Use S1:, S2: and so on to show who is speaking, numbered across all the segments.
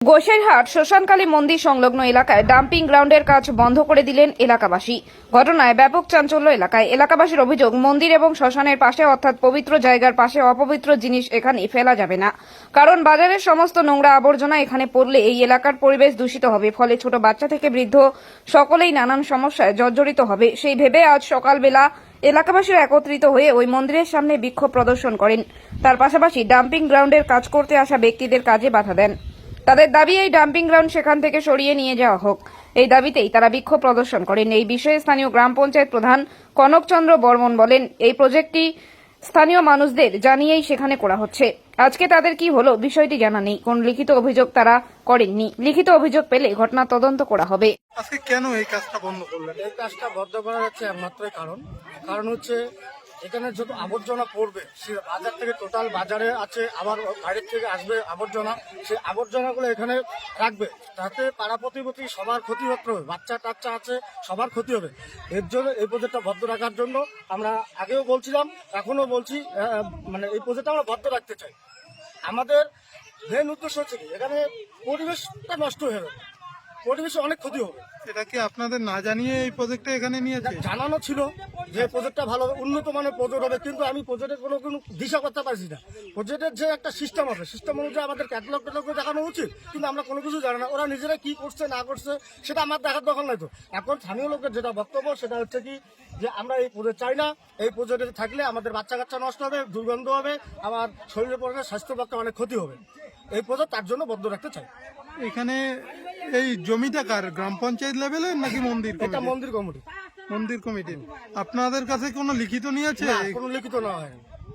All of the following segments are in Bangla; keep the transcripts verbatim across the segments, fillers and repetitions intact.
S1: গোসাইরহাট শ্মশানকালী মন্দির সংলগ্ন এলাকায় ডাম্পিং গ্রাউন্ডের কাজ বন্ধ করে দিলেন এলাকাবাসী। ঘটনায় ব্যাপক চাঞ্চল্য এলাকায়। এলাকাবাসীর অভিযোগ, মন্দির এবং শ্মশানের পাশে অর্থাৎ পবিত্র জায়গার পাশে অপবিত্র জিনিস এখানে ফেলা যাবে না, কারণ বাজারের সমস্ত নোংরা আবর্জনা এখানে পড়লে এই এলাকার পরিবেশ দূষিত হবে, ফলে ছোট বাচ্চা থেকে বৃদ্ধ সকলেই নানান সমস্যায় জর্জরিত হবে। সেই ভেবে আজ সকালবেলা এলাকাবাসীরা একত্রিত হয়ে ওই মন্দিরের সামনে বিক্ষোভ প্রদর্শন করেন। তার পাশাপাশি ডাম্পিং গ্রাউন্ডের কাজ করতে আসা ব্যক্তিদের কাজে বাধা দেন। তাদের দাবি, এই ডাম্পিং গ্রাউন্ড সেখান থেকে সরিয়ে নিয়ে যাওয়া হোক। এই দাবিতেই তারা বিক্ষোভ প্রদর্শন করেন। এই বিষয়ে স্থানীয় গ্রাম পঞ্চায়েত প্রধান কনকচন্দ্র বর্মন বলেন, এই প্রজেক্টটি স্থানীয় মানুষদের জানিয়েই সেখানে করা হচ্ছে। আজকে তাদের কি হলো বিষয়টি জানা নেই। কোন লিখিত অভিযোগ তারা করেননি। লিখিত অভিযোগ পেলে ঘটনা তদন্ত করা হবে।
S2: আজকে কেন এই কাজটা বন্ধ করলেন?
S3: এই কাজটা বন্ধ করার হচ্ছে একমাত্র কারণ কারণ হচ্ছে এখানে যত আবর্জনা পড়বে, সে বাজার থেকে টোটাল বাজারে আছে, আবার বাইরের থেকে আসবে আবর্জনা, সেই আবর্জনাগুলো এখানে রাখবে, তাতে পাড়া প্রতিবেশী সবার ক্ষতি হতে হবে, বাচ্চা টাচ্চা আছে সবার ক্ষতি হবে। এর জন্য এই প্রজেক্টটা বন্ধ রাখার জন্য আমরা আগেও বলছিলাম, এখনো বলছি, মানে এই প্রজেক্টটা আমরা বন্ধ রাখতে চাই। আমাদের মেন উদ্দেশ্য হচ্ছে কি, এখানে পরিবেশটা নষ্ট হয়ে যাবে, পরিবেশে অনেক ক্ষতি হবে।
S2: এটা কি আপনাদের না জানিয়ে এই প্রজেক্টটা এখানে নিয়েছে?
S3: জানানো ছিল যে প্রজেক্টটা ভালো হবে, উন্নত মানের প্রজেক্ট হবে, কিন্তু আমি প্রজেক্টের কোনো কোনো দিশা করতে পারছি না। প্রজেক্টের যে একটা সিস্টেম আছে, সিস্টেম অনুযায়ী আমাদের ক্যাটালগ ক্যাটালগ দেখানো উচিত, কিন্তু আমরা কোনো কিছু জানি না। ওরা নিজেরা কি করছে না করছে সেটা আমার দেখার দরকার নাই তো। এখন স্থানীয় লোকের যেটা বক্তব্য সেটা হচ্ছে কি, যে আমরা এই প্রজেক্ট চাই না, এই প্রজেক্টে থাকলে আমাদের বাচ্চা কাচ্চা নষ্ট হবে, দুর্গন্ধ হবে, আমার শরীরের পক্ষে স্বাস্থ্য পক্ষে অনেক ক্ষতি হবে। এই প্রজেক্ট তার জন্য বন্ধ রাখতে চাই।
S2: এখানে এই জমিটা কার, গ্রাম পঞ্চায়েত লেভেলের নাকি মন্দির
S3: এটা
S2: কমিটি?
S3: মন্দির কমিটি।
S2: মন্দির কমিটি আপনাদের কাছে কোনো লিখিত নিয়েছে?
S3: না, কোনো লিখিত না হয়।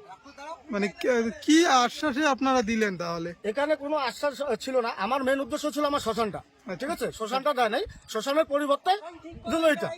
S2: মানে কি আশ্বাসে আপনারা দিলেন তাহলে?
S3: এখানে কোনো আশ্বাস ছিল না। আমার মেন উদ্দেশ্য ছিল আমার শ্মশানটা, ঠিক আছে, শ্মশানটা দেয় নাই, শ্মশানের পরিবর্তে দিল এটা।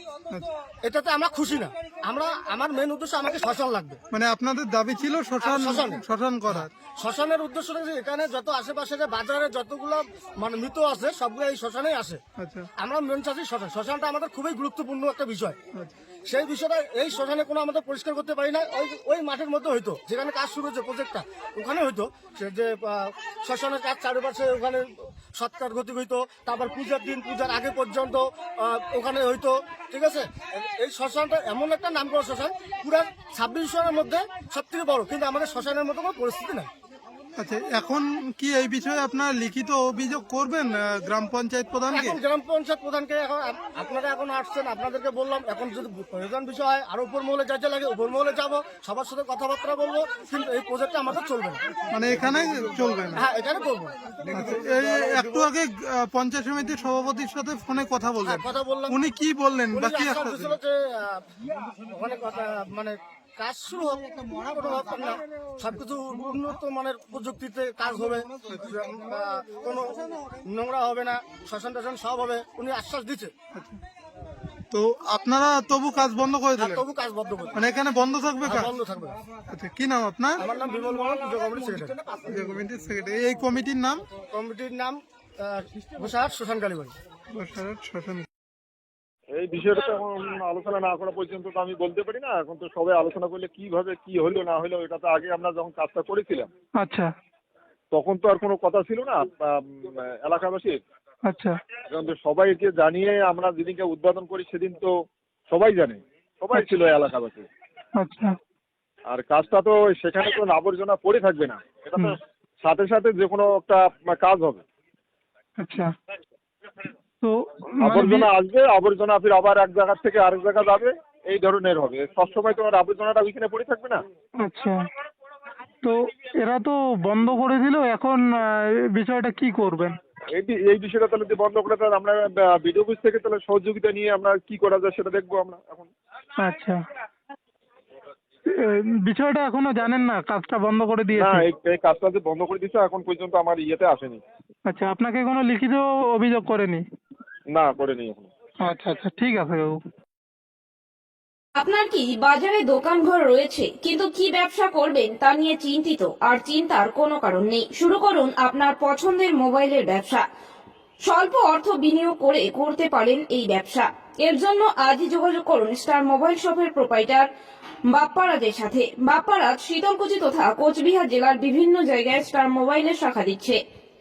S3: এটাতে আমরা খুশি না। আমরা আমার মেন উদ্দেশ্য আমাকে শ্মশান লাগবে।
S2: মানে আপনাদের দাবি ছিল শ্মশান
S3: শ্মশান।
S2: শ্মশান করার।
S3: শ্মশানের উদ্দেশ্য হচ্ছে এখানে যত আশেপাশে যে বাজারে যতগুলো মানে মৃত আছে সবগুলো এই শ্মশানেই আসে।
S2: আচ্ছা
S3: আমরা মেন চাচ্ছি শ্মশান। শ্মশানটা আমাদের খুবই গুরুত্বপূর্ণ একটা বিষয়।
S2: আচ্ছা।
S3: সেই বিষয়টা এই শ্মশানে কোনো আমাদের পরিষ্কার করতে পারি না। ওই ওই মাঠের মধ্যে হইতো, যেখানে কাজ শুরু হয়েছে প্রজেক্টটা, ওখানে হইতো সে যে শ্মশানের কাজ চারিপাশে ওখানে সৎকার গতি হইতো, তারপর পূজার দিন পূজার আগে পর্যন্ত ওখানে হইতো, ঠিক আছে। এই শ্মশানটা এমন একটা নাম করা শ্মশান, পুরো ছাব্বিশ জনের মধ্যে সব থেকে বড়, কিন্তু আমাদের শ্মশানের মতো কোনো পরিস্থিতি নাই।
S2: আচ্ছা, এখন কি এই বিষয়ে আপনার লিখিত অভিযোগ করবেন গ্রাম পঞ্চায়েত প্রধানকে?
S3: এখন গ্রাম পঞ্চায়েত প্রধানকে এখন আপনারা এখন আসছেন, আপনাদেরকে বললাম, এখন যদি প্রয়োজন বিষয় হয় আরো উপর মহলে যাইতে লাগে উপর মহলে যাবো, সবার সাথে কথাবার্তা বলবো, কিন্তু এই প্রজেক্টটা আমাদের চলবে না।
S2: মানে এখানে চলবে না?
S3: হ্যাঁ, এখানে করবো।
S2: আচ্ছা, এই একটু আগে পঞ্চায়েত সমিতির সভাপতির সাথে ফোনে কথা বললেন,
S3: কথা বললাম,
S2: উনি কি বললেন?
S3: উনি
S2: বাকি
S3: আশ্বাস দিছিল যে আহ, ওখানে কথা মানে কাজ শুরু হোক, কোনো ব্যাপার না, সবকিছু উন্নত মানের প্রযুক্তিতে কাজ হবে, আহ, কোনো নোংরা হবে না, শ্মশান টাশান সব হবে, উনি আশ্বাস দিচ্ছে।
S2: তো আপনারা তবু কাজ বন্ধ করে
S3: আর
S2: দিলেন?
S3: তবু কাজ বন্ধ করবে,
S2: মানে এখানে বন্ধ থাকবে কাজ?
S3: বন্ধ থাকবে।
S2: আচ্ছা, কি নাম আপনার?
S3: আমার নাম বিমল বর্মন, পুজো কমিটির সেক্রেটারি।
S2: পূজা কমিটির সেক্রেটারি। এই কমিটির নাম?
S3: কমিটির নাম গোসাইরহাট শ্মশান কালীবাড়ি।
S2: গোসাইরহাট শ্মশান।
S4: এই বিষয়টা তো এখন আলোচনা না করা পর্যন্ত তো আমি বলতে পারি না। এখন তো সবাই আলোচনা করলে কিভাবে কি হলো না হলো, এটা তো আগে আমরা যখন কাজটা করেছিলাম
S2: আচ্ছা
S4: তখন তো আর কোনো কথা ছিল না এলাকাবাসীর।
S2: আচ্ছা।
S4: এখন তো সবাইকে জানিয়ে আমরা যেদিনকে উদ্বোধন করি সেদিন তো সবাই জানে, সবাই ছিল এলাকাবাসী।
S2: আচ্ছা।
S4: আর কাজটা তো সেখানে তো আবর্জনা পড়ে থাকবে না, এটা তো সাথে সাথে যে কোনো একটা কাজ হবে।
S2: আচ্ছা, তো
S4: আবর্জনা আসবে, আবর্জনা ফির আবার এক জায়গা থেকে আরেক জায়গা যাবে, এই ধরনের হবে। সবসময় তো আর আবর্জনাটা ওইখানে পড়ে থাকবে না।
S2: আচ্ছা, তো এরা তো বন্ধ করে দিল, এখন বিষয়টা কি করবেন?
S4: এই এই বিষয়টা তাহলে বন্ধ করে তাহলে আমরা বিডিও অফিস থেকে তাহলে সহযোগিতা নিয়ে আমরা কি করা যায় সেটা দেখবো আমরা এখন।
S2: আচ্ছা, বিষয়টা এখনো জানেন না, কাজটা বন্ধ করে
S4: না,
S2: দিয়েছে?
S4: এই কাজটা যে বন্ধ করে দিয়েছে এখন পর্যন্ত আমার ইয়েতে আসেনি।
S2: আচ্ছা, আপনাকে কোনো লিখিত অভিযোগ করেনি?
S4: না, করেনি এখন।
S2: আচ্ছা আচ্ছা, ঠিক আছে বাবু।
S1: আপনার কি বাজারে দোকানঘর রয়েছে কিন্তু কি ব্যবসা করবেন তা নিয়ে চিন্তিত? আর চিন্তার কোনো কারণ নেই। শুরু করুন আপনার পছন্দের মোবাইলের ব্যবসা। স্বল্প অর্থ বিনিয়োগ করে করতে পারেন এই ব্যবসা। এর জন্য আজই যোগাযোগ করুন স্টার মোবাইল শপের প্রোপাইটার বাপ্পারাজের সাথে। বাপ্পারাজ শীতলকুচি তথা কোচবিহার জেলার বিভিন্ন জায়গায় স্টার মোবাইলের শাখা দিচ্ছে।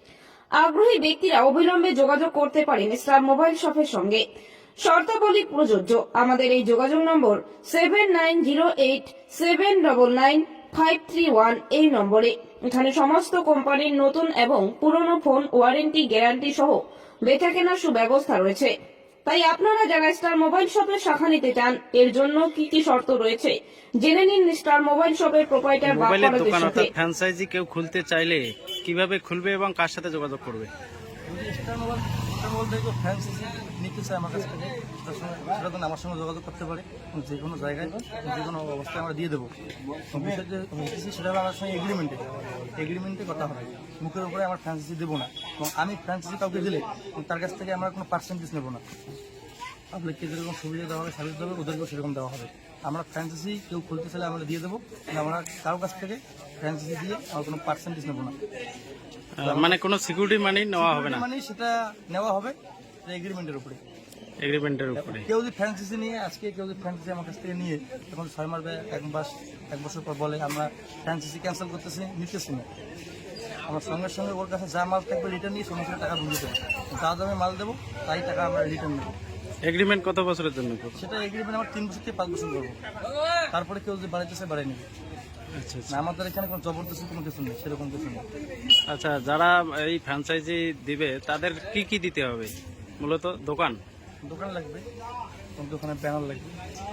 S1: আগ্রহী ব্যক্তিরা অবিলম্বে যোগাযোগ করতে পারেন স্টার মোবাইল শপের সঙ্গে। শর্তাবলী প্রযোজ্য। আমাদের এই যোগাযোগ নম্বর seven nine zero eight seven double nine five three one এই নম্বরে। এখানে সমস্ত কোম্পানির নতুন এবং পুরনো ফোন ওয়ারেন্টি গ্যারান্টি সহ বেচাকেনার সুব্যবস্থা রয়েছে। তাই আপনারা যারা স্টার মোবাইল শপের শাখা নিতে চান, এর জন্য কি কি শর্ত রয়েছে জেনে নিন স্টার মোবাইল শপের প্রোপাইটার
S5: মোবাইলের
S1: বাপ্পারাজের
S5: দোকান
S1: সাথে।
S5: অর্থাৎ ফ্র্যাঞ্চাইজি কেউ খুলতে চাইলে কিভাবে খুলবে এবং কার সাথে যোগাযোগ করবে?
S6: যদি স্টার মোবাইল স্টার মোবাইল থেকে ফ্র্যাঞ্চাইজি নিতে চায় আমার কাছ থেকে, তার সঙ্গে সেটা তো আমার সঙ্গে যোগাযোগ করতে পারে। যে কোনো জায়গায় যে কোনো অবস্থায় আমরা দিয়ে দেবো। বিষয় যে নিতেছি সেটা হলো আমার সঙ্গে এগ্রিমেন্টে এগ্রিমেন্টে কথা হবে। মুখের উপরে আমার ফ্র্যাঞ্চাইজি দেবো না, এবং আমি ফ্র্যাঞ্চাইজি কাউকে দিলে তার কাছ থেকে আমরা কোনো পার্সেন্টেজ নেবো না। পাবলিককে যেরকম সুবিধা দেওয়া হবে, সার্ভিস দেওয়া হবে, ওদেরকেও সেরকম দেওয়া হবে। আমরা ফ্র্যাঞ্চাইজি কেউ খুলতে চাইলে আমরা দিয়ে দেবো, কিন্তু আমরা কারোর কাছ থেকে ফ্র্যাঞ্চাইজি দিয়ে আমরা কোনো পার্সেন্টেজ নেবো না।
S5: আহ, মানে কোনো সিকিউরিটি মানি নেওয়া হবে না,
S6: মানে সেটা নেওয়া হবে এগ্রিমেন্টের উপরে।
S5: এগ্রিমেন্টের উপরে।
S6: কেউ যদি ফ্র্যাঞ্চাইজি নিয়ে আজকে কেউ যদি ফ্র্যাঞ্চাইজি আমার কাছ থেকে নিয়ে তখন ছয় মাস বা এক মাস এক বছর পর বলে আমরা ফ্র্যাঞ্চাইজি ক্যান্সেল করতেছি, নিতেছি না, আমার সঙ্গে সঙ্গে ওর কাছে যা মাল থাকবে রিটার্ন নিয়ে সঙ্গে সঙ্গে টাকা বুঝে দেবো। যা দামে মাল দেবো তাই টাকা আমরা রিটার্ন নেবো।
S5: এগ্রিমেন্ট কত বছরের জন্য করবে?
S6: সেটা এগ্রিমেন্ট আমার তিন বছর থেকে পাঁচ বছর করবো। তারপরে কেউ যদি বাড়াইতেছে বাড়াই নেবে।
S5: আচ্ছা আচ্ছা।
S6: না, আমাদের এখানে কোনো জবরদস্তি কোনো কিছু নেই, সেরকম কিছু নেই।
S5: আচ্ছা, যারা এই ফ্র্যাঞ্চাইজি দিবে তাদের কি কি দিতে হবে? মূলত দোকান
S6: দোকান লাগবে, দোকানে ব্যানার লাগবে,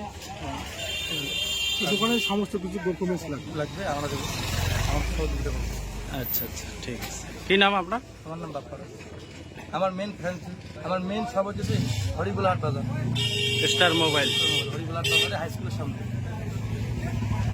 S2: দোকানের সমস্ত কিছু ডকুমেন্টস লাগবে
S6: লাগবে আমরা দেবো, আমার সহযোগিতা করবো।
S5: আচ্ছা আচ্ছা, ঠিক আছে। কি নাম আপনার?
S6: আমার নাম বাপ্পারাজ। আমার মেন ফ্র্যাঞ্চাইজি আমার মেন সব হচ্ছে হরিগুলা হাট বাজার,
S5: স্টার মোবাইল।
S6: হরিগুলা হাট বাজারে হাই স্কুলের সামনে।